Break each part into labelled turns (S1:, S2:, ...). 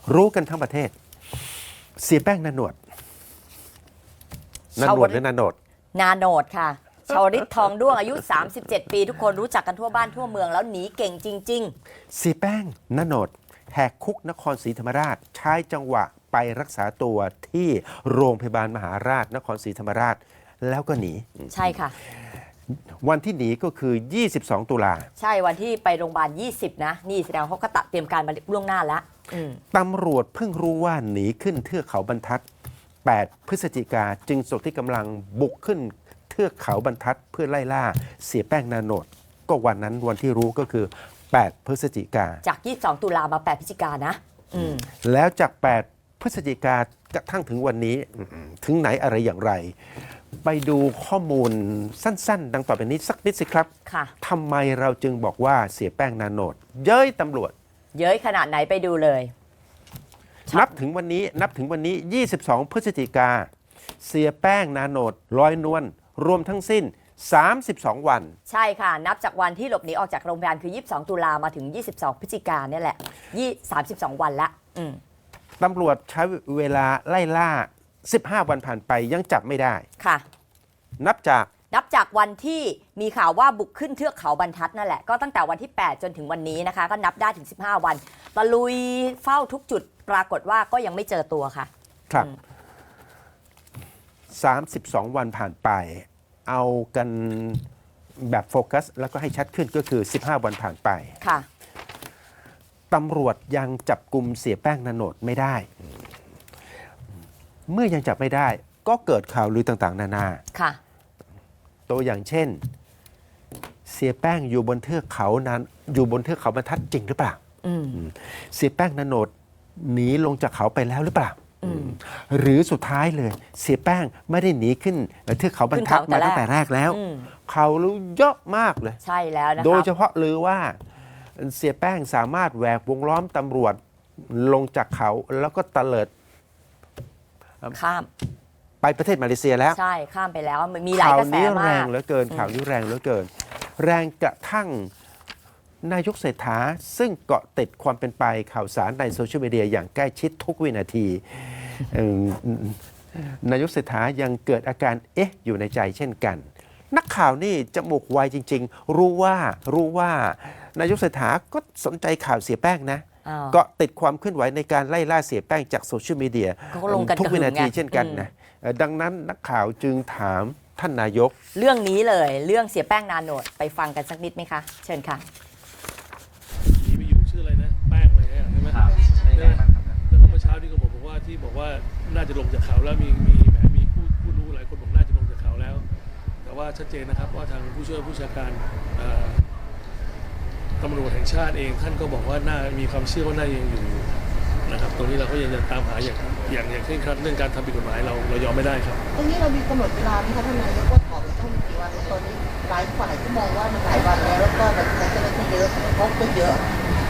S1: รู้กันทั้งประเทศเสียแป้งนาโนดนาโนดหรือนาโนด
S2: นาโนดค่ะชาวริตทองด้วงอายุ37 ปีทุกคนรู้จักกันทั่วบ้านทั่วเมืองแล้วหนีเก่งจริง
S1: เสียแป้งนาโนดแหกคุกนครศรีธรรมราชใช้จังหวะไปรักษาตัวที่โรงพยาบาลมหาราชนครศรีธรรมราชแล้วก็หนี
S2: ใช่ค่ะ
S1: วันที่หนีก็คือ22 ตุลา
S2: ใช่วันที่ไปโรงพยาบาล20นะนี่แสดงเขาก็เตรียมการมาล่วงหน้าแล้ว
S1: ตำรวจเพิ่งรู้ว่าหนีขึ้นเทือกเขาบรรทัด8 พฤศจิกาจึงส่งที่กำลังบุกขึ้นเทือกเขาบรรทัดเพื่อไล่ล่าเสียแป้งนาโนดก็วันนั้นวันที่รู้ก็คือ8 พฤศจิกา
S2: จาก22 ตุลามา8 พฤศจิกานะ
S1: แล้วจาก8 พฤศจิกากระทั่งถึงวันนี้ถึงไหนอะไรอย่างไรไปดูข้อมูลสั้นๆดังต่อไปนี้สักนิดสิครับทำไมเราจึงบอกว่าเสียแป้งนาโนดเย้ยตำรวจ
S2: เย้ยขนาดไหนไปดูเลย
S1: นับถึงวันนี้22 พฤศจิกาเสียแป้งนาโนดลอยนวลรวมทั้งสิ้น32 วัน
S2: ใช่ค่ะนับจากวันที่หลบหนีออกจากโรงพยาบาลคือ22 ตุลามาถึง22 พฤศจิกาเนี่ยแหละ32 วันละ
S1: ตำรวจใช้เวลาไล่ล่า15 วันผ่านไปยังจับไม่ได้
S2: ค่ะ
S1: นับ
S2: จากวันที่มีข่าวว่าบุกขึ้นเทือกเขาบรรทัดนั่นแหละก็ตั้งแต่วันที่8จนถึงวันนี้นะคะก็นับได้ถึง15 วันตะลุยเฝ้าทุกจุดปรากฏว่าก็ยังไม่เจอตัวค่ะ
S1: ครับ32 วันผ่านไปเอากันแบบโฟกัสแล้วก็ให้ชัดขึ้นก็คือ15 วันผ่านไป
S2: ค่ะ
S1: ตำรวจยังจับกุมเสียแป้งนาโนดไม่ได้เมื่อยังจับไม่ได้ก็เกิดข่าวลือต่างๆนานา
S2: ค่ะ
S1: ตัวอย่างเช่นเสียแป้งอยู่บนเทือกเขานั้นอยู่บนเทือกเขาบรรทัดจริงหรือเปล่าเสียแป้งนาโนดหนีลงจากเขาไปแล้วหรือเปล่าหรือสุดท้ายเลยเสียแป้งไม่ได้หนีขึ้นเทือกเขาบรรทัดมาตั้งแต่แรกแล้วเขารู้เยอะมากเลย
S2: ใช่แล้วนะคะ
S1: โดยเฉพาะลือว่าเสียแป้งสามารถแหวกวงล้อมตำรวจลงจากเขาแล้วก็ตะเลิด
S2: ข้าม
S1: ไปประเทศมาเลเซียแล้ว
S2: ใช่ข้ามไปแล้วมันมีหลายกระแสมากข่าวนี้
S1: แรงเหลือเกินข่าวนี้แรงเหลือเกินแรงกระทั่งนายกเศรษฐาซึ่งเกาะติดความเป็นไปข่าวสารในโซเชียลมีเดียอย่างใกล้ชิดทุกวินาทีนายกเศรษฐายังเกิดอาการอยู่ในใจเช่นกันนักข่าวนี่จมูกไวจริงๆรู้ว่านายกเศรษฐาก็สนใจข่าวเสียแป้งนะก็ติดความเคลื่อนไหวในการไล่ล่าเสียแป้งจากโซเชียลมีเดียทุกวินาทีเช่นกันนะดังนั้นนักข่าวจึงถามท่านนายก
S2: เรื่องนี้เลยเรื่องเสียแป้งนาโนดไปฟังกันสักนิดไหมคะเชิญค่ะ
S3: นี่ไปอยู่ชื่ออะไรนะแป้งอะไรใช่ไหมครับแล้วเมื่อเช้าที่เขาบอกว่าน่าจะลงจากเขาแล้วมีผู้รู้หลายคนบอกน่าจะลงจากเขาแล้วแต่ว่าชัดเจนนะครับว่าทางผู้ช่วยผู้บัญชาการตำรวจแห่งชาติเองท่านก็บอกว่าน่ามีความเชื่อว่าน่ายังอยู่นะครับตรงนี้เราก็ยังจะตามหาอย่างเคร่งครัดเรื่องการทำผิดกฎหมายเรายอมไม่ได้ครับ
S4: ตรงนี้เรามีกำหนดเวลาไหมคะท่านนายกว่าขอไปต้องกี่วันตอนนี้หลายฝ่ายก็มองว่ามันหลายวันแล้วก็แบบเจ้าหน้าที่เยอะพบก็เยอะ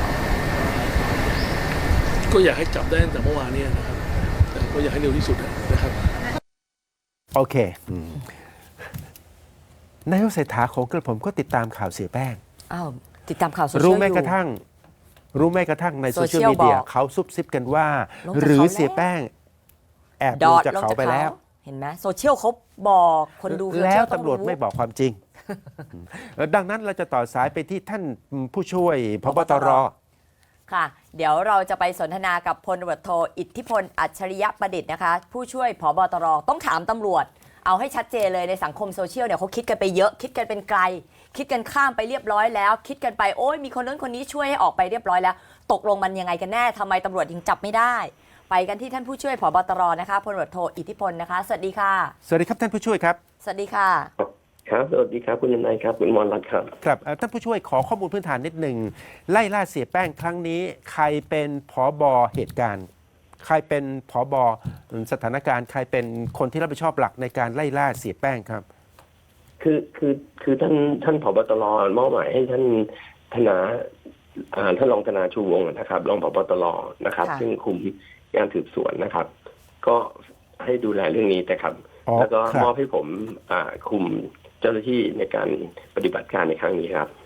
S3: ก็อยากให้จับได้ตั้งแต่เมื่อวานนี้นะครับแต่ก็อยากให้เร็วที่สุดนะครับ
S1: โอเคนายกเศรษฐาของกระผมก็ติดตามข่าวเสียแป้ง
S2: ติดตามข่าวโซเชียล
S1: รู้แม้กระทั่งในโซเชียลมีเดียเขาซุบซิบกันว่าหรือเสียแป้งแอบลงจากเขาไปแล้ว
S2: เห็นไหมโซเชียลเขาบอกคนดู
S1: แล้วตำรวจไม่บอกความจริงดังนั้นเราจะต่อสายไปที่ท่านผู้ช่วยพบตร
S2: ค่ะเดี๋ยวเราจะไปสนทนากับพลตำรวจโทอิทธิพลอัจฉริยประดิษฐ์นะคะผู้ช่วยผบตรต้องถามตำรวจเอาให้ชัดเจนเลยในสังคมโซเชียลเนี่ยเขาคิดกันไปเยอะคิดกันเป็นไกลคิดกันข้ามไปเรียบร้อยแล้วคิดกันไปโอ้ยมีคนนั้นคนนี้ช่วยให้ออกไปเรียบร้อยแล้วตกลงมันยังไงกันแน่ทำไมตำรวจยังจับไม่ได้ไปกันที่ท่านผู้ช่วยผบตรนะคะพลตำรวจโทอิทธิพลนะคะสวัสดีค่ะ
S1: สวัสดีครับท่านผู้ช่วยครับ
S2: สวัสดีค่ะ
S5: ครับสวัสดีครับคุณนายครับคุณมรรัตน์ครับ
S1: ครับท่านผู้ช่วยขอข้อมูลพื้นฐานนิดหนึ่งไล่ล่าเสียแป้งครั้งนี้ใครเป็นผบเหตุการณ์ใครเป็นผบสถานการณ์ใครเป็นคนที่รับผิดชอบหลักในการไล่ล่าเสียแป้งครับ
S5: คือท่านผบตรมอบหมายให้ท่านรองธนาชูวงศ์นะครับรองผบตรนะครับซึ่งคุมงานสืบสวนนะครับก็ให้ดูแลเรื่องนี้แต่ครับแล้วก็มอบให้ผมคุมเจ้าหน้าที่ในการปฏิบัติการในครั้งนี้ครับ
S1: ครับ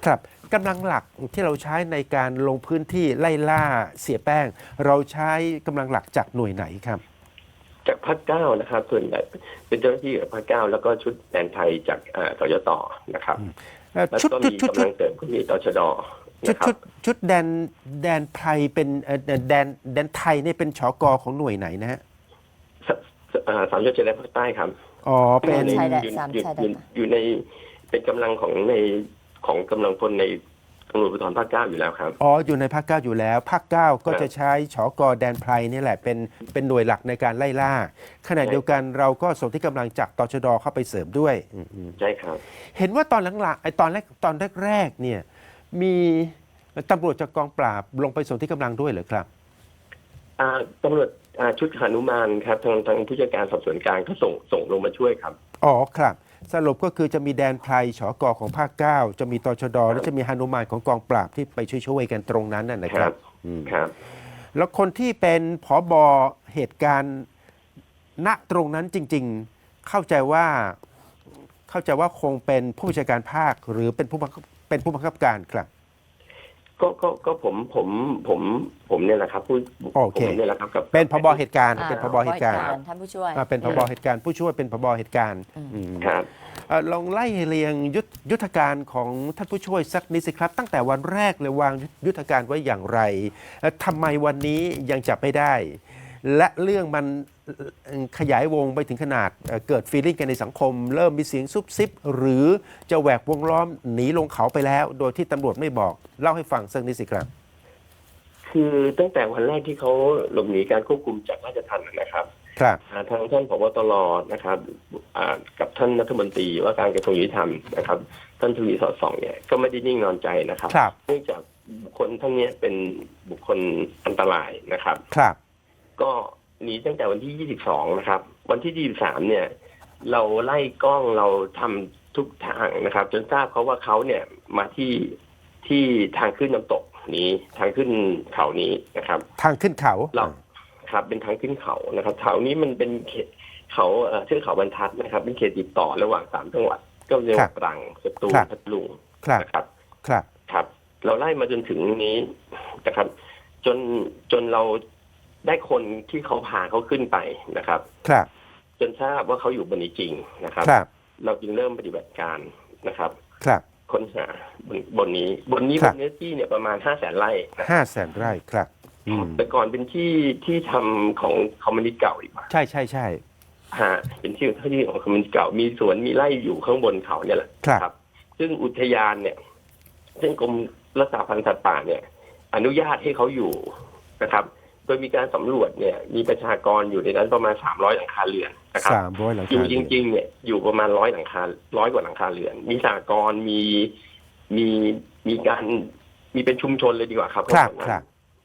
S1: กำลังหลักที่เราใช้ในการลงพื้นที่ไล่ล่าเสียแป้ง เราใช้กำลังหลักจากหน่วยไหนครับ
S5: จากภาคเก้านะครับส่วนใหญ่เป็นเจ้าหน้าที่จากภาคเก้าแล้วก็ชุดแดนไทยจากตยตนะครับแล้ว
S1: ชุด
S5: ก็
S1: ชุ
S5: มี
S1: ดชุด
S5: กำลังเสริมก็มีตชด
S1: ชุด
S5: นะครับ
S1: ชุดแดนไพรเป็นแดนไทยนี่เป็นชกของหน่วยไหนนะฮะ
S5: สามจังหวัดชายแดนภาคใต้ครับ
S1: อ๋อเป็น
S2: ชายแดน
S5: อยู่
S2: สาม
S5: อยู่
S2: ชายแดน
S5: อยู่ในเป็นกำลังของกำลังพลในตำรวจภูธรภาคเก้าอยู่แล้วครับ
S1: อ๋ออยู่ในภาคเก้าอยู่แล้วภาคเก้าก็จะใช้ชกแดนไพรนี่แหละเป็นหน่วยหลักในการไล่ล่าขณะเดียวกันเราก็ส่งที่กำลังจากตชดเข้าไปเสริมด้วย
S5: ใช่ครับ
S1: เห็นว่าตอนหลังๆไอ้ตอนแรกๆเนี่ยมีตำรวจจากกองปราบลงไปส่งที่กำลังด้วยเหรอครับ
S5: ตำรวจชุดหนุมานครับทางผู้จัดการสอบสวนกลางก็ส่งลงมาช่วยครับ
S1: อ๋อครับสรุปก็คือจะมีแดนไพรชกของภาคเก้าจะมีตชดและจะมีหนุมานของกองปราบที่ไปช่วยๆกันตรงนั้นนะครับอืม
S5: ครับ
S1: แล้วคนที่เป็นผบเหตุการณ์ณตรงนั้นจริงๆเข้าใจว่าคงเป็นผู้บัญชาการภาคหรือเป็นผู้บังคับการครับ
S5: ก็ผมเนี่ยแหละครับผมเนี่ยแหละครับกับ
S1: เป็นผบเหตุการณ์
S2: อ่า
S1: เป็นผบเหตุการณ์
S2: ท่านผู้ช่วย
S1: เป็นผบเหตุการณ์ผู้ช่วยเป็นผบเหตุการณ์ม
S5: ครับ
S1: ลองไล่เรียงยุทธการของท่านผู้ช่วยสักนิดสิครับ ตั้งแต่วันแรกเลยวางยุทธการไว้อย่างไรทำไมวันนี้ยังจับไม่ได้ และเรื่องมันขยายวงไปถึงขนาดเกิดฟีลลิ่งกันในสังคม เริ่มมีเสียงซุบซิบหรือจะแหวกวงล้อมหนีลงเขาไปแล้ว โดยที่ตำรวจไม่บอกเล่าให้ฟังสักนิดสิครับ
S5: คือตั้งแต่วันแรกที่เขาหลบหนีการควบคุมจากราชทัณฑ์นะครับ
S1: ครับ
S5: ทางท่านผบตรนะครับกับท่านรัฐมนตรีว่าการกระทรวงยุติธรรมนะครับท่านทวีสอดส่องเนี่ยก็ไม่ได้นิ่งนอนใจนะครับ
S1: ครับ
S5: เนื่องจากบุคคลท่านเนี้ยเป็นบุคคลอันตรายนะครับ
S1: ครับ
S5: ก็หนีตั้งแต่วันที่ 22 นะครับ วันที่ 23 เนี่ย เราไล่กล้องเราทำทุกทางนะครับ จนทราบเขาว่าเขาเนี่ยมาที่ทางขึ้นน้ำตกนี้ทางขึ้นเขานี้นะครับ
S1: ทางขึ้นเขา
S5: เราครับเป็นทางขึ้นเขานะครับเขานี้มันเป็นเขตเขาเทือกเขาบรรทัดนะครับ เป็นเขตติดต่อระหว่าง3 จังหวัด ก็เรียกว่าตรังสตูลพัทลุง
S1: ครับ
S5: นะครับ
S1: ครับ
S5: ครับ เราไล่มาจนถึงนี้นะครับ จนเราได้คนที่เขาพาเขาขึ้นไปนะครับ
S1: ครับ
S5: จนทราบว่าเขาอยู่บนนี้จริงนะครับ
S1: ครับ
S5: เราจึงเริ่มปฏิบัติการนะครับ
S1: ครับ
S5: ค้นหาบนนี้บนเนื้อที่เนี่ยประมาณ 500,000 ไร่นะ
S1: 500,000 ไร่ครับอืม
S5: แต่ก่อนเป็นที่ทำของคอมมิวนิสต์เก่าดีกว่า
S1: ใช่
S5: เป็นที่ของคอมมิวนิสต์เก่ามีสวนมีไร่อยู่ข้างบนเขาเนี่ยแหละ
S1: ครับ
S5: ซึ่งอุทยานเนี่ยซึ่งกรมรักษาพันธุ์สัตว์ป่าเนี่ย อนุญาตให้เขาอยู่นะครับ โดยมีการสำรวจเนี่ยมีประชากรอยู่ในนั้นประมาณ300 หลังคาเรือนนะครับ
S1: 300 หลัง
S5: อยู่
S1: คา
S5: จริงๆเนี่ยอยู่ประมาณ100 หลังคา100 กว่าหลังคาเรือน มีสหกรณ์มีการมีเป็นชุมชนเลยดีกว่าครับ
S1: ครับ
S5: นนั้น
S1: ครับ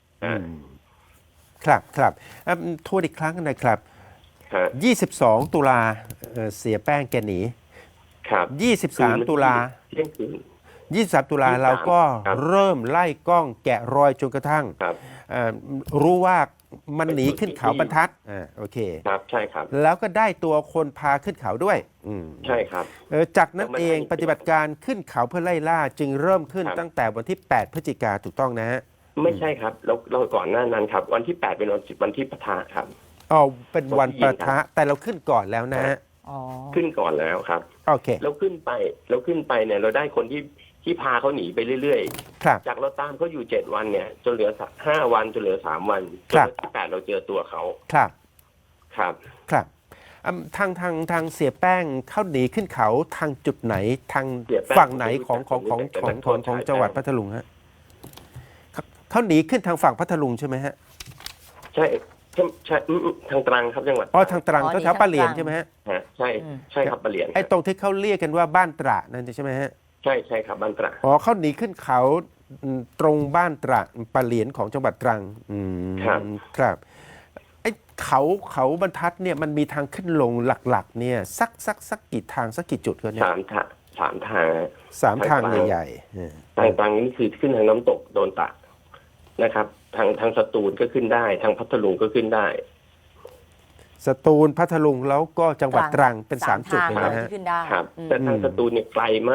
S1: ครับทวนอีกครั้งนะครับ
S5: ฮะ
S1: 22 ตุลาเสียแป้งแกหนี
S5: ครับ
S1: 23 ตุลา
S5: เที่ยงคืน
S1: 23 ตุลาเราก็
S5: ครับ
S1: เริ่มไล่กล้องแกะรอยจนกระทั่ง
S5: ครับ
S1: รู้ว่ามันหนีขึ้นเขาบรรทัดโอเค
S5: ครับใช่ครับ
S1: แล้วก็ได้ตัวคนพาขึ้นเขาด้วย
S5: ใช่ครับ
S1: จากนั้นเองปฏิบัติการขึ้นเขาเพื่อไล่ล่าจึงเริ่มขึ้น
S5: ครับ
S1: ตั้งแต่วันที่ 8 พฤศจิกาถูกต้องนะฮะ
S5: ไม่ใช่ครับเราก่อนหน้านั้นครับ วันที่ 8 เป็นวันที่ปะทะครับ
S1: อ๋อเป็นวันปะทะแต่เราขึ้นก่อนแล้วนะฮะ
S2: อ๋อ
S5: ขึ้นก่อนแล้วครับ
S1: โอเค
S5: เราขึ้นไปเนี่ยเราได้คนที่พาเขาหนีไปเรื่อย
S1: ครับ
S5: ๆ จากเราตามเขาอยู่7 วันเนี่ยจนเหลือ5 วันจนเหลือ3 วันจน
S1: ครับ
S5: วันที่8เราเจอตัวเขา
S1: ครับ
S5: ครับ
S1: ครับทางเสียแป้งเข้าหนีขึ้นเขาทางจุดไหนทาง
S5: เสียแป้ง
S1: ฝั่งไหนของ
S5: ผมรู้จักแต่นักโทษชาย
S1: จังหวัด
S5: แป้ง
S1: พัทลุงฮะเขาหนีขึ้นทางฝั่งพัทลุงใช่ไหมฮะ
S5: ใช่ทางตรังครับจังหวัด
S1: อ๋อทางตรัง
S2: อ๋อ
S1: ก็
S2: หนี
S1: แถวปะเหลียน
S2: ทางตรัง
S1: ใช่ไหมฮะ
S5: ฮะใช่ครับปะเหลียน
S1: ไอ้ตรงที่เขาเรียกกันว่าบ้านตระนั่นใช่ไหมฮะ
S5: ใช่ครับบ้านตระ
S1: อ๋อเขาหนีขึ้นเขาตรงบ้านตระปะเหลียนของจังหวัดตรังครับไอ้เขาบรรทัดเนี่ยมันมีทางขึ้นลงหลักๆเนี่ยสักกี่ทางสักกี่จุดกันเนี่ย
S5: 3 ทาง
S1: 3 ทางใหญ่ๆ
S5: ทางตรังนี่คือขึ้นทางน้ำตกโดนตะนะครับ ทางสตูลก็ขึ้นได้ ทางพัทลุงก็ขึ้นได้
S1: สตูลพัทลุงแล้วก็จังหวัดตรังเป็น
S2: สาม
S1: 3 จุด
S2: ทาง
S1: เลยนะฮะ
S2: ที่ขึ้นได้
S5: ครับ
S2: อืม
S5: แต่ทางสตูลเนี่ยไกลมาก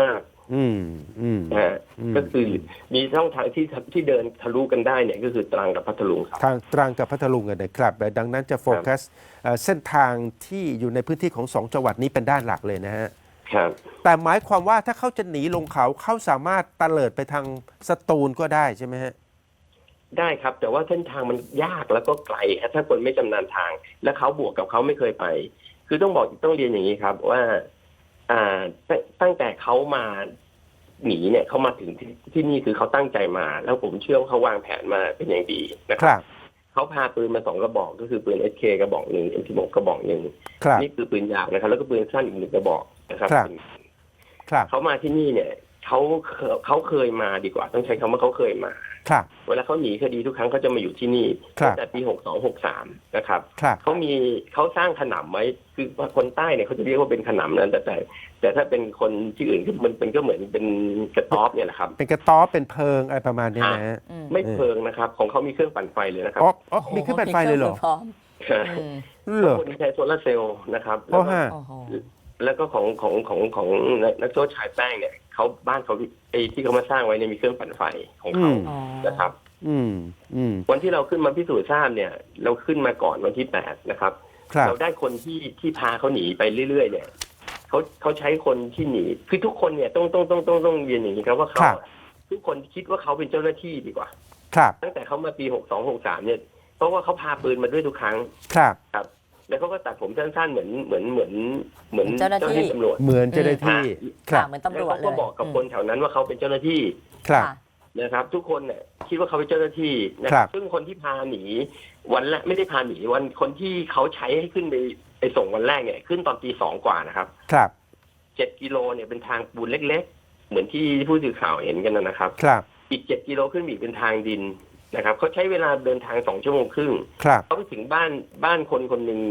S1: อืมอืม
S5: นะฮะ
S1: อืม
S5: ก็คือมีช่องทางที่เดินทะลุกันได้เนี่ยก็คือตรังกับพัทลุงครับ
S1: ทางตรังกับพัทลุงกันนะครับดังนั้นจะโฟกัสเส้นทางที่อยู่ในพื้นที่ของ2จังหวัดนี้เป็นด้านหลักเลยนะฮะ
S5: ครับ
S1: แต่หมายความว่าถ้าเขาจะหนีลงเขาสามารถตะเลิดไปทางสตูลก็ได้ใช่ไหมฮะ
S5: ได้ครับแต่ว่าเส้นทางมันยากแล้วก็ไกลฮะถ้าคนไม่ชำนาญทาง และเขาบวกกับเขาไม่เคยไป คือต้องเรียนอย่างนี้ครับว่าตั้งแต่เขามาหนีเนี่ยเขามาถึงที่นี่คือเขาตั้งใจมา แล้วผมเชื่อว่าเขาวางแผนมาเป็นอย่างดีนะค
S1: ครั
S5: รับบ เขาพาปืนมา2กระบอกก็คือปืน SK กระบอกหนึ่ง M16 กระบอกหนึ่ง
S1: ครับ
S5: นี่คือปืนยาวนะครับ แล้วก็ปืนสั้นอีก1กระบอกนะครับ
S1: ครับ ครับ
S5: เขามาที่นี่เนี่ยเขาเคยมาดีกว่า ต้องใช้คำว่าเขาเคยมา
S1: ครับ
S5: เวลาเขาหนีคดีทุกครั้งเขาจะมาอยู่ที่นี่
S1: ครับ
S5: ตั้งแต่ปี62-63นะครับ
S1: ครับ
S5: เขาสร้างขนำไว้คือคนใต้เนี่ยเขาจะเรียกว่าเป็นขนำนั่นแต่ถ้าเป็นคนที่อื่นคือมันก็เหมือนเป็นกระต๊อบเนี่ยแหละครับ
S1: เป็นกระต๊อบเป็นเพิงอะไรประมาณนี้นะฮะ
S5: ไม่เพลิงนะครับ ของเขามีเครื่องปั่นไฟเลยนะครับ
S1: อ๋อมีขึ้นเป็นไฟเลยเหรอ
S2: พร้อมอืม
S1: เหรอ
S5: คนใช้โซลาร์เซลล์นะครับ
S1: โอ้ฮะ
S2: โอ้โห
S5: แล้วก็ของนักโทษชายแป้งเนี่ยเขาบ้านเขาไอ้ที่เขามาสร้างไว้เนี่ยมีเครื่องปั่นไฟของเขา
S2: อ๋อ
S5: นะครับ
S1: อืมอืม
S5: วันที่เราขึ้นมาพิสูจน์ทราบเนี่ย เราขึ้นมาก่อนวันที่8นะครับ
S1: ครับ
S5: เราได้คนที่พาเขาหนีไปเรื่อยๆเนี่ยเขาใช้คนที่หนีคือทุกคนเนี่ยต้องเรียนอย่างนี้ครับว่าเขาทุกคนคิดว่าเขาเป็นเจ้าหน้าที่ดีกว่า
S1: ครับ
S5: ตั้งแต่เขามาปี62-63เนี่ยเพราะว่าเขาพาปืนมาด้วยทุกครั้ง
S1: ครับ
S5: ครับ แล้วเขาก็ตัดผมสั้นๆเหมือน
S2: เจ้าหน้าที่
S5: ตำรวจ
S1: เหมือนเจ้าหน้าที่ ครั
S2: ค่ะ
S1: บ
S2: เหมือนตำร
S5: แล้ว
S2: วจ
S5: เขา
S2: เล
S5: ก็
S2: ย
S5: บอกกับคนแถวนั้นว่าเขาเป็นเจ้าหน้าที่
S1: ครับ
S2: ค่ะ
S5: นะครับ ทุกคนเนี่ยคิดว่าเขาเป็นเจ้าหน้าที่นะครับ ซึ่งคนที่พาหนีวันแรกไม่ได้พาหนีวันคนที่เขาใช้ให้ขึ้นไปส่งวันแรกเนี่ยขึ้นตอนตี 2กว่านะครับ
S1: ครับ
S5: 7 กิโลเนี่ยเป็นทางปูนเล็กๆ เหมือนที่ผู้สื่อข่าวเห็นกันนะครับ
S1: ครับ
S5: อีก7 กิโลขึ้นอีกเป็นทางดินนะครับเขาใช้เวลาเดินทาง2 ชั่วโมงครึ่ง
S1: ครับ
S5: เขาไปถึงบ้านคนหนึ่ง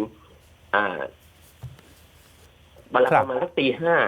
S5: ประมาณสักตี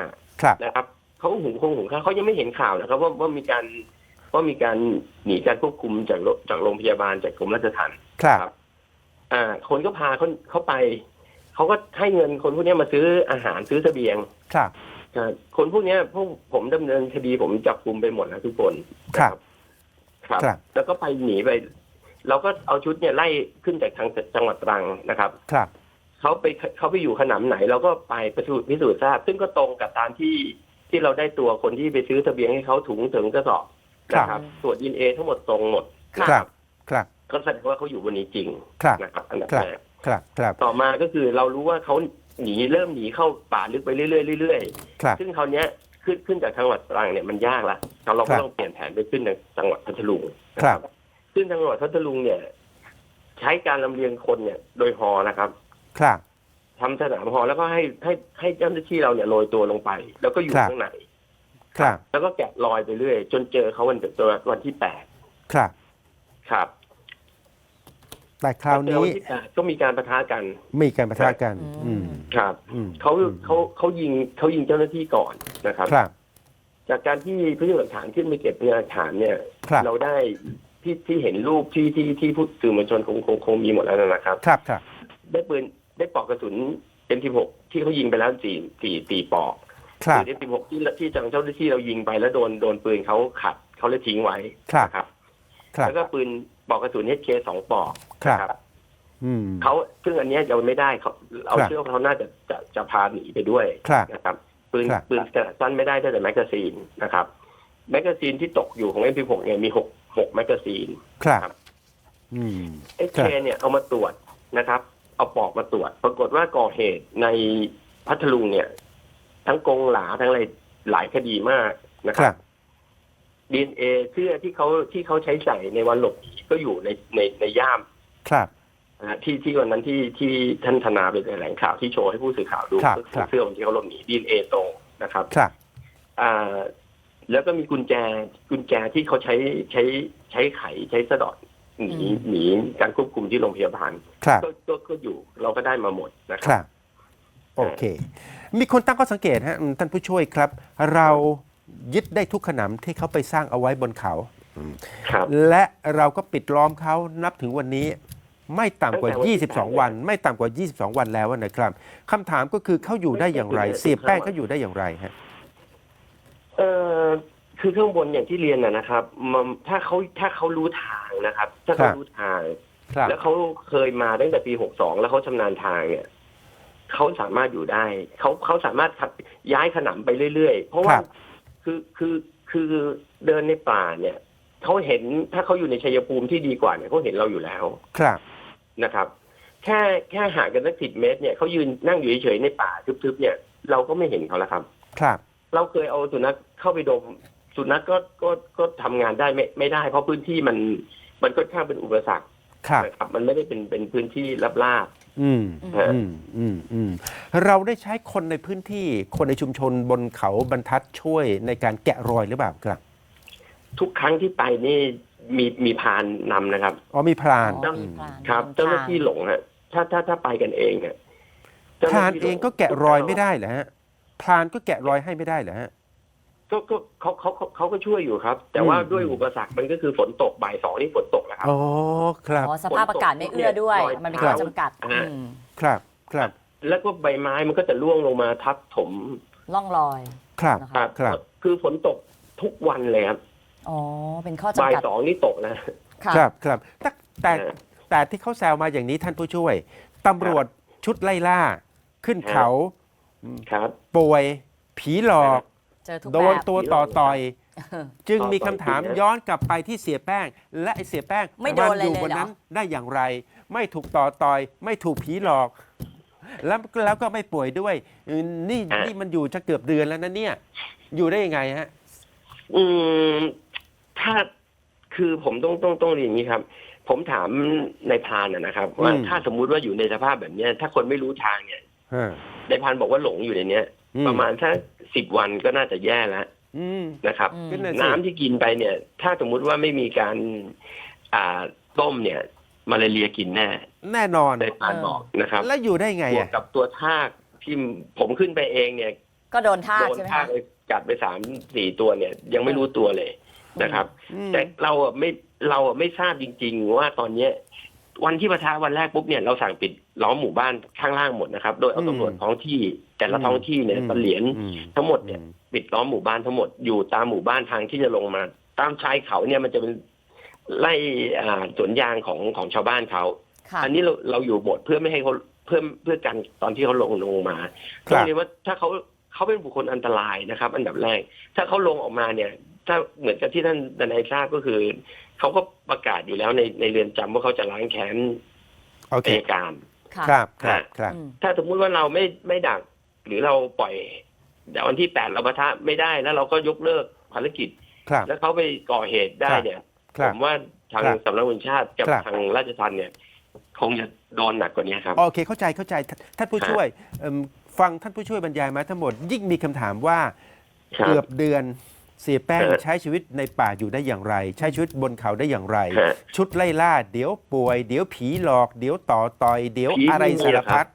S5: 5
S1: ครับ
S5: นะครับเขาหุงข้าวเขายังไม่เห็นข่าวนะครับว่ามีการหนีการควบคุมจากโรงพยาบาลจากกรมราชทัณฑ์
S1: ครับ
S5: คนก็พาเขาไปเขาก็ให้เงินคนพวกนี้มาซื้ออาหารซื้อเสบียง
S1: ครับ
S5: คนพวกนี้พวกผมดำเนินคดีผมจับกุมไปหมดแล้วทุกคน
S1: ครับ
S5: ครับ
S1: ครับ
S5: แล้วก็ไปหนีไป เราก็เอาชุดเนี่ยไล่ขึ้นจากทางจังหวัดตรังนะครับ
S1: ครับ
S5: เขาไปอยู่ขนำไหนเราก็ไปพิสูจน์ทราบ ซึ่งก็ตรงกับตามที่เราได้ตัวคนที่ไปซื้อเสบียงให้เขาถุงถึงกระสอบนะครับตรวจ DNA ทั้งหมดตรงหมด
S1: ครับ ครับ
S5: ก็แสดงว่าเขาอยู่บนนี้จริง
S1: ครับ
S5: นะครับอันดับ
S1: ครับ
S5: แรก
S1: ครับ ครับ
S5: ต่อมาก็คือเรารู้ว่าเขาเริ่มหนีเข้าป่าลึกไปเรื่อยๆ
S1: ครับ
S5: ซึ่งคราวเนี้ยขึ้นจากจังหวัดตรังเนี่ยมันยากละเราก็ต้องเปลี่ยนแผนไปขึ้นในจังหวัดพัทลุง
S1: ครับ
S5: ขึ้นจังหวัดพัทลุงเนี่ย ใช้การลำเลียงคนเนี่ย โดยฮอนะครับ
S1: ครับ
S5: ทำสนามฮอแล้วก็ให้เจ้าหน้าที่เราเนี่ยโรยตัวลงไป แล้วก็อยู่
S1: ครับ
S5: ข้างใน
S1: ครับ
S5: แล้วก็แกะรอยไปเรื่อยจนเจอเขาวันที่8
S1: ครับ
S5: ครับ
S1: แต่คราว
S5: เจอ
S1: นี้
S5: วันที่8ก็มีการปะทะกัน
S1: มีการประทะกัน อืม
S5: ครับ
S1: อืม
S5: เขายิงเจ้าหน้าที่ก่อนนะครับ
S1: ครับ
S5: จากการที่พยานหลักฐานขึ้นไปเก็บพยานหลักฐานเนี่ย
S1: ครับ
S5: เราได้ที่เห็นรูปที่ผู้สื่อมวลชนคงมีหมดแล้วนะครับ
S1: ครับ ครับ
S5: ได้ปลอกกระสุน M16 ที่เขายิงไปแล้ว4ปลอก
S1: ครับ
S5: ปืน M16 ที่จังเจ้าหน้าที่เรายิงไปแล้วโดนปืนเขาขัดเขาเลยทิ้งไว้
S1: ครับ
S5: นะครับ
S1: ครับ
S5: แล้วก็ปืนปลอกกระสุน HK 2 ปลอก
S1: ครับ
S5: นะ
S1: อืม
S5: เขาซึ่งอันเนี้ยยังไม่ได้เอา
S1: ครับ
S5: เชื่อว่าเขาน่าจะพาหนีไปด้วย
S1: ครับ
S5: นะครับปืน
S1: ครับ
S5: ขนาดสั้นไม่ได้แต่แมกกาซีนนะครับแมกกาซีนที่ตกอยู่ของ M16 เนี่ยมี6แมกกาซีน
S1: ครับ อืม
S5: HK เนี่ยเอามาตรวจนะครับ เอาปลอกมาตรวจ ปรากฏว่าก่อเหตุในพัทลุงเนี่ย ทั้งกงหลาทั้งอะไรหลายคดีมากนะค
S1: ครั
S5: รับ บ DNA เสื้อที่เขาใช้ใส่ในวันหลบหนีก็อยู่ในย่าม
S1: ครับ
S5: นะฮะที่วันนั้นที่ท่านธนาไปแถลงข่าวที่โชว์ให้ผู้สื่อข่าวดู
S1: ครับ
S5: ก็
S1: ครั
S5: คือบ เสื้อวันที่เขาหลบหนี DNA ตรงนะครับ
S1: ครับ
S5: แล้วก็มีกุญแจที่เขาใช้ไขใช้สะดอดหนีการควบคุมที่โรงพยาบาล
S1: ครับ
S5: ก็อยู่เราก็ได้มาหมดนะค
S1: ครับ รับ โอเค มีคนตั้งข้อสังเกตฮะท่านผู้ช่วยครับ เรายึดได้ทุกขนำที่เขาไปสร้างเอาไว้บนเขา
S5: ครับ
S1: และเราก็ปิดล้อมเขานับถึงวันนี้ ไม่ต่ำกว่า
S5: ตั้งแต่วันที่
S1: 22 วัน ไม่ต่ำกว่า 22 วันแล้วนะครับคำถามก็คือเขาอยู่ได้อย่างไร เสียแป้งเขาอยู่ได้อย่างไรฮะ
S5: เออคือข้างบนอย่างที่เรียนนะครับถ้าเขารู้ทางนะครับ ถ้าเขารู้ทาง
S1: ครับ
S5: แล้วเขาเคยมาตั้งแต่ปี62แล้วเขาชำนาญทางเนี่ยเขาสามารถอยู่ได้เขาสามารถย้ายขนำไปเรื่อยๆเพราะว่าคือเดินในป่าเนี่ยเขาเห็นถ้าเขาอยู่ในชัยภูมิที่ดีกว่าเนี่ยเขาเห็นเราอยู่แล้ว
S1: ครับ
S5: นะครับ แค่ห่างกันสัก10 เมตรเนี่ยเขายืนนั่งอยู่เฉยๆในป่าทึบๆเนี่ยเราก็ไม่เห็นเขาแล้วครับ
S1: ครับ
S5: เราเคยเอาสุนัขเข้าไปดมสุนัขก็ทำงานได้ไม่ได้ เพราะพื้นที่มันค่อนข้างเป็นอุปสรรค
S1: ครับ
S5: นะครับมันไม่ได้เป็นพื้นที่ราบ
S1: อืม
S5: ฮะ
S1: เราได้ใช้คนในพื้นที่คนในชุมชนบนเขาบรรทัดช่วยในการแกะรอยหรือเปล่าครับ
S5: ทุกครั้งที่ไปนี่มีพรานนำนะครับ
S1: อ๋อมีพราน
S2: อ๋อมีพราน
S5: ครับ
S2: นำทาง
S5: เจ้าหน้าที่หลงฮะถ้าไปกันเองฮะ
S1: พรานเองก็แกะรอยไม่ได้เหรอฮะพรานก็แกะรอยให้ไม่ได้เหรอฮะ
S5: ก็เขาก็ช่วยอยู่ครับ แต่ว่าด้วยอุปสรรคมันก็คือฝนตกบ่าย 2นี่ฝนตกแล้วครับ
S1: อ๋อครับ
S2: อ๋อสภาพอากาศไม่เอื้อด้วย
S5: รอย
S2: มันเป็น
S5: เท้า
S2: ข้อจำกัด
S5: ฮะ
S1: ครับครับ
S5: แล้วก็ใบไม้มันก็จะร่วงลงมาทับถม
S2: ล่องรอย
S1: ครับ
S2: นะ
S5: ครั
S2: คะ
S5: บ
S1: ครับ
S5: คือฝนตกทุกวันเลยครับ
S2: อ๋อเป็นข้อ
S5: บ่า
S2: จำ
S5: ย
S2: กัด
S5: 2นี่ตกนะ
S2: ค่ะ
S1: ครับแต่ที่เขาแซวมาอย่างนี้ท่านผู้ช่วยตำรวจชุดไล่ล่า ขึ้นเขา
S5: ครับ
S1: ป่วย ผีหลอก
S2: เจอทุก
S1: โด
S2: แบ
S1: น
S2: บ
S1: ตัวต่อต่อย จึง
S5: ต่อ
S1: มีคำถาม
S5: จริงนะ
S1: ย้อนกลับไปที่เสียแป้ง และไอ้เสียแป้ง
S2: ไม่โดนอะไร
S1: อยู่
S2: เลย
S1: บน
S2: เหรอ
S1: นั้นได้อย่างไร ไม่ถูกต่อต่อย ไม่ถูกผีหลอก แล้วก็ไม่ป่วยด้วยนี่มันอยู่จะเกือบเดือนแล้วนะเนี่ย อยู่ได้ยังไงฮะ
S5: อืมถ้าคือผมต้องเรียนอย่างนี้ครับ ผมถามในายพรานนะครับ ว่า
S1: อืม
S5: ถ้าสมมุติว่าอยู่ในสภาพแบบเนี้ย ถ้าคนไม่รู้ทางเนี่ย
S1: ฮะ
S5: นายพรานบอกว่าหลงอยู่ในเนี้ย ประมาณถ้า10 วันก็น่าจะแย่แล้ว
S1: อืม
S5: นะครับ
S2: อืม
S1: ก็น่ะสิ
S5: น้ำที่กินไปเนี่ย ถ้าสมมุติว่าไม่มีการต้มเนี่ยมาลาเรียกินแน่
S1: แน่นอน
S5: นายพรานบอกนะครับ
S1: แล้วอยู่ได้ไง
S5: บวก
S1: อ่ะ
S5: กับตัวทากที่ผมขึ้นไปเองเนี่ย
S2: ก็โดนทาก
S5: โดน
S2: ใช่ไหม
S5: ทาก
S2: คะ
S5: ไปกัดไป3-4 ตัวเนี่ย ยังไม่รู้ตัวเลยนะครับ
S1: อืม
S5: แต่เราไม่ทราบจริง ๆ ว่าตอนเนี้ยวันที่ปะทะวันแรกปุ๊บเนี่ยเราสั่งปิดล้อมหมู่บ้านข้างล่างหมดนะครับ โดยเอาตำรวจท้องที่ แต่ละท้องที่เนี่ยเสลียน ทั้งหมดเนี่ย ปิดล้อมหมู่บ้านทั้งหมดอยู่ตามหมู่บ้านทางที่จะลงมา ตามชายเขาเนี่ยมันจะเป็นไล่สวนยางของชาวบ้านเขา
S2: ค่ะ
S5: อันนี้เราอยู่หมดเพื่อไม่ให้เขาเพื่อกันตอนที่เขาลงมา
S1: ค
S5: ต้
S1: รั
S5: อบ งเรียนว่าถ้าเขาเป็นบุคคลอันตรายนะครับ อันดับแรก ถ้าเขาลงออกมาเนี่ย ถ้าเหมือนกับที่ท่านทนายทราบก็คือเขาก็ประกาศอยู่แล้วในเรือนจำว่าเขาจะล้างแค้น
S1: โอเค
S5: อัยการ
S2: ค่ะ
S1: ครับครับ
S2: อืม
S5: ถ้าสมมุติว่าเราไม่ดัก หรือเราปล่อยแต่วันที่8เราปะทะไม่ได้แล้วเราก็ยกเลิกภารกิจ
S1: ครับ
S5: แล้วเขาไปก่อเหตุได้เนี่ย
S1: ค
S5: ผ
S1: รับ
S5: มว่าทาง
S1: ครับ
S5: สำนักงานชาติกับ
S1: ครับ
S5: ทางราชทัณฑ์เนี่ย คงจะโดนหนักกว่านี้ครับ
S1: โอเคเข้าใจท่านผู้ช่วยฟังท่านผู้ช่วยบรรยายมาทั้งหมด ยิ่งมีคำถามว่า
S5: ครับ
S1: เกือบเดือนเสียแป้ง
S5: ครับ
S1: ใช้ชีวิตในป่าอยู่ได้อย่างไร ใช้ชีวิตบนเขาได้อย่างไร
S5: ครับ
S1: ชุดไล่ล่า เดี๋ยวป่วย เดี๋ยวผีหลอก เดี๋ยวต่อต่อย เดี๋ยว
S5: ผี
S1: อะไร
S5: ไม่มี
S1: สาร
S5: หรอกครั
S1: พัด
S5: บ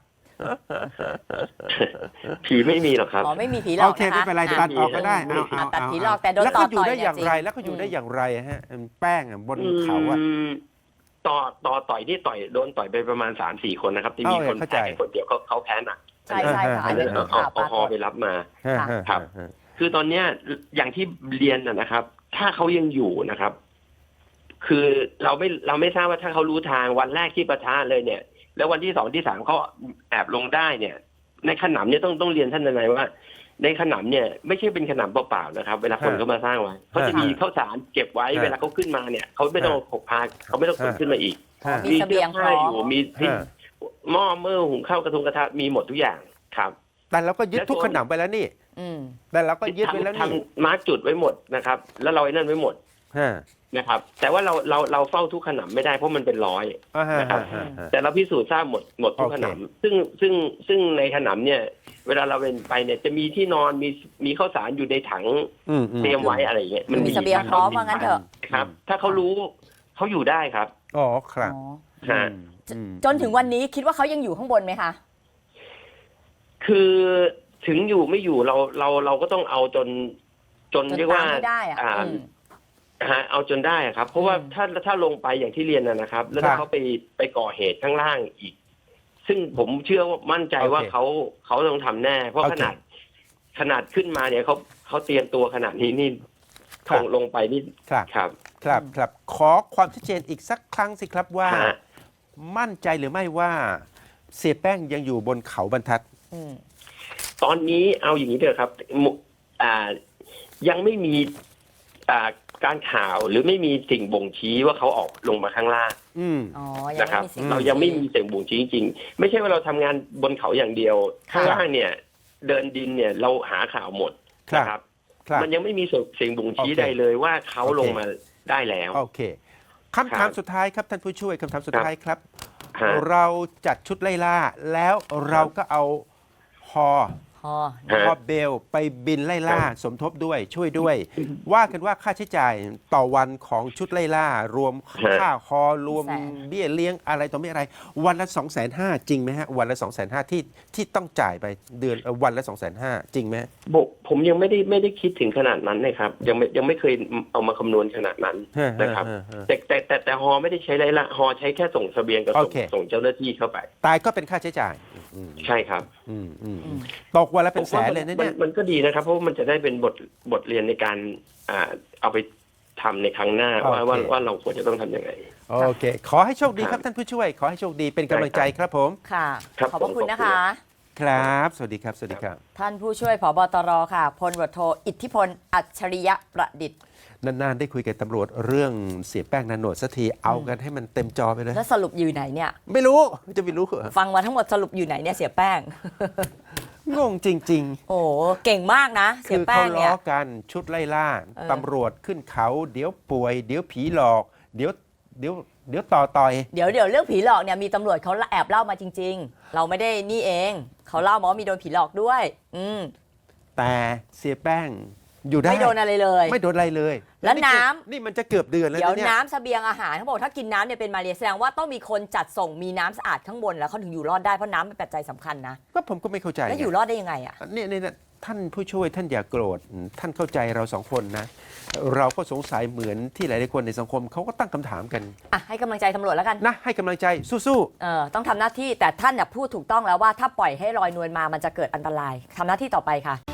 S5: ผีไม่มีหรอกครับ
S2: อ๋อไม่มีผีหลอก
S1: โอเค
S2: นะคะ
S1: ไม่เป็นไรตัดออกก็ได้
S5: ไม่มี
S1: เอา
S2: ตัดผีหลอกแต่โดน
S1: แล้ว
S2: ต่อ
S1: เขาอยู่
S2: ต่อย
S1: ได้
S2: เนี่
S1: อย่างไร
S2: จริง
S1: แล้วเขาอยู่ได้อย่างไรฮะแป้งบนเขาอะ
S5: ต่อยที่โดนต่อยไปประมาณ3-4 คนนะครับที่มี
S1: เอา
S5: คน
S1: เข้าใจ
S5: แพ้คนเดียวเขาแพ้หนัก
S2: ใช่ใช่ค่ะ
S5: อั
S2: อั
S5: น
S2: น
S5: นี้
S2: นี้
S5: เอา
S2: ข่าวป
S5: เอา
S2: ราก
S5: ฮอ
S2: ฏ
S5: ไปรับมา
S1: ฮะฮะ
S5: ครับ
S1: ฮะ
S5: คือตอนเนี้ยอย่างที่เรียนนะครับ ถ้าเขายังอยู่นะครับ คือเราไม่ทราบว่าถ้าเขารู้ทางวันแรกที่ปะทะเลยเนี่ย แล้ววันที่2ที่3เขาแอบลงได้เนี่ย ในขนำเนี่ยต้องเรียนท่านทนายว่า ในขนำเนี่ยไม่ใช่เป็นขนำเปล่าๆนะครับ เวลาคนเขามาสร้างไว้เขาจะมีข้าวสารเก็บไว้เวลาเขาขึ้นมาเนี่ยเขาไม่ต้องพกพาเขาไม่ต้องขนขึ้นมาอีก
S1: ฮะ
S2: มีเสบียงพร้อม
S5: อยู่มีหม้อเมื่อหุงข้าวกระทงกระทะมีหมดทุกอย่างครับ
S1: แต่เราก็ยึดทุกขนำไปแล้วนี่
S2: อืม
S1: แต่เราก็ยึดไปแล้วนี่
S5: ทำมาร์กจุดไว้หมดนะครับ แล้วเราไอ้นั่นไว้หมด
S1: ฮะ
S5: นะครับ แต่ว่าเราเฝ้าทุกขนำไม่ได้เพราะมันเป็นร้อย
S1: อ่าฮะ
S5: นะครับ
S1: ฮะฮะ
S5: แต่เราพิสูจน์ทราบหมดทุก
S1: โอเค
S5: ขนำซึ่งในขนำเนี่ย เวลาเราไปเนี่ยจะมีที่นอนมีข้าวสารอยู่ในถัง
S1: อืม
S5: เตรียมไว้อะไรอย่างเงี้ย
S2: มีเสบียงพร้อมว่างั้นเถอะ
S5: ครับ ถ้าเขารู้เขาอยู่ได้ครับ
S1: อ๋อครับ
S2: อ๋อ
S5: ฮะ
S1: อืม
S2: จนถึงวันนี้คิดว่าเขายังอยู่ข้างบนไหมคะ
S5: คือถึงอยู่ไม่อยู่เราก็ต้องเอาจน
S2: จน
S5: เรียกว่า
S2: ตามให้ได้อะ
S5: อืม เอาจนได้ครับ เพราะว่า
S2: อืม
S5: ถ้าลงไปอย่างที่เรียนนะครับ แล้ว
S1: ครั
S5: ถ้า
S1: บ
S5: เขาไปก่อเหตุข้างล่างอีก ซึ่งผมเชื่อว่ามั่นใจว่า
S1: โอเค
S5: เขาต้องทำแน่ เพราะ
S1: โอเค
S5: ขนาดขึ้นมาเนี่ยเขาเตรียมตัวขนาดนี้นี่
S1: ครับ
S5: ลงไปนี่
S1: ครับ
S5: ครับ
S1: ครับครับขอความชัดเจนอีกสักครั้งสิครับว่า
S5: ฮะ
S1: มั่นใจหรือไม่ว่าเสียแป้งยังอยู่บนเขาบรรทัด
S2: อืม
S5: ตอนนี้เอาอย่างนี้เถอะครับยังไม่มีการข่าวหรือไม่มีสิ่งบ่งชี้ว่าเขาออกลงมาข้างล่าง
S1: อืม
S2: อ๋อ ยัง
S5: นะครับ
S2: ไม่มีสิ่ง
S5: เรายังไม่มีสิ่งบ่งชี้จริงๆไม่ใช่ว่าเราทำงานบนเขาอย่างเดียว
S2: ค่ะ
S5: ข้างล่างเนี่ย เดินดินเนี่ยเราหาข่าวหมด
S1: ครับ
S5: นะครับ
S1: ครับ
S5: มันยังไม่มีสิ่งบ่งชี้
S1: โอเค
S5: ใดเลยว่าเขา
S1: โอเค
S5: ลงมาได้แล้ว
S1: โอเคคำถามสุดท้ายครับท่านผู้ช่วยคำถามสุดท้ายครับ
S5: ฮะ
S1: เราจัดชุดไล่ล่า แล้วเราก็เอาฮอ
S2: พอ
S5: ฮะ
S1: ฮอเบลไปบินไล่ล่า สมทบด้วยช่วยด้วย ว่ากันว่าค่าใช้จ่ายต่อวันของชุดไล่ล่า รวมค่าฮอรวมเบี้ยเลี้ยงอะไรต่อไม่อะไร วันละ 250,000 จริงไหมฮะ วันละ 250,000ที่ต้องจ่ายไปเดือนวันละ 250,000 จริงไหม
S5: ผมยังไม่ได้คิดถึงขนาดนั้นนะครับยังไม่เคยเอามาคำนวณขนาดนั้นนะครับ แต่ฮอไม่ได้ใช้ไรละฮอใช้แค่ส่งเสบียงกับ
S1: โอเค
S5: ส่งเจ้าหน้าที่เข้าไป
S1: ตายก็เป็นค่าใช้จ่าย
S5: ใช่ครับ
S1: ตกวันละเป็นแสนเลยนะเนี่ย
S5: มันก็ดีนะครับ เพราะว่ามันจะได้เป็นบทเรียนในการเอาไปทำในครั้งหน้า
S1: โอเค
S5: ว่าเราควรจะต้องทำยังไง
S1: โอเค ขอให้โชคดีครับท่านผู้ช่วย ขอให้โชคดีเป็นกำลังใจครับผม
S2: ค่ะ
S5: ครับ
S2: ขอบพระคุณนะคะ
S1: ครับ สวัสดีครับ สวัสดีครับ
S2: ท่านผู้ช่วยผบตรค่ะพลตำรวจโทอิทธิพลอัจฉริยะประดิษฐ์
S1: นานๆได้คุยกับตำรวจเรื่องเสียแป้งนาโนดสักทีเอากันให้มันเต็มจอไปเลย
S2: แล้วสรุปอยู่ไหนเนี่ย
S1: ไม่รู้จะไม่รู้เหรอ
S2: ฟังมาทั้งหมดสรุปอยู่ไหนเนี่ยเสียแป้ง
S1: งงจริง
S2: โอ้เก่งมากนะ
S1: ๆ
S2: เสี
S1: คื
S2: ย
S1: อ
S2: แป้
S1: เขา
S2: ง
S1: ล้
S2: เนี่
S1: อย กันชุดไล่ล่า
S2: เออ
S1: ตำรวจขึ้นเขา เดี๋ยวป่วย เดี๋ยวผีหลอก เดี๋ยวต่อย
S2: เดี๋ยวเรื่องผีหลอกเนี่ยมีตำรวจเขาแอบเล่ามาจริง ๆ เราไม่ได้นี่เองเขาเล่ามาว่ามีโดนผีหลอกด้วย
S1: แต่เสียแป้งอยู่ได้
S2: ไม่โดนอะไรเลย
S1: ไม่โดนอะไรเลย
S2: แล้วน้ำ
S1: นี่มันจะเกือบเดือนแล้ว
S2: เดี๋ยว
S1: นะเนี่ย
S2: น้ำเสบียงอาหารเขาบอกถ้ากินน้ำเนี่ยเป็นมาเรียแสดงว่าต้องมีคนจัดส่งมีน้ำสะอาดข้างบนแล้วเขาถึงอยู่รอดได้เพราะน้ำเป็นปัจจัยสำคัญนะ
S1: ก็ผมก็ไม่เข้าใจ
S2: แล้ว
S1: ไง
S2: อยู่รอดได้ยังไงอ่ะ
S1: เนี่ยท่านผู้ช่วยท่านอย่าโกรธท่านเข้าใจเราสองคนนะ เราก็สงสัยเหมือนที่หลายๆคนในสังคมเขาก็ตั้งคำถามกัน
S2: อ่ะให้กำลังใจตำรวจแล้วกัน
S1: นะให้กำลังใจสู้
S2: ต้องทำหน้าที่แต่ท่านเนี่ยพูดถูกต้องแล้วว่าถ้าปล่อยให้ลอยนวลมามันจะเกิดอันตรายทำหน้าที่ต่อไปค่ะ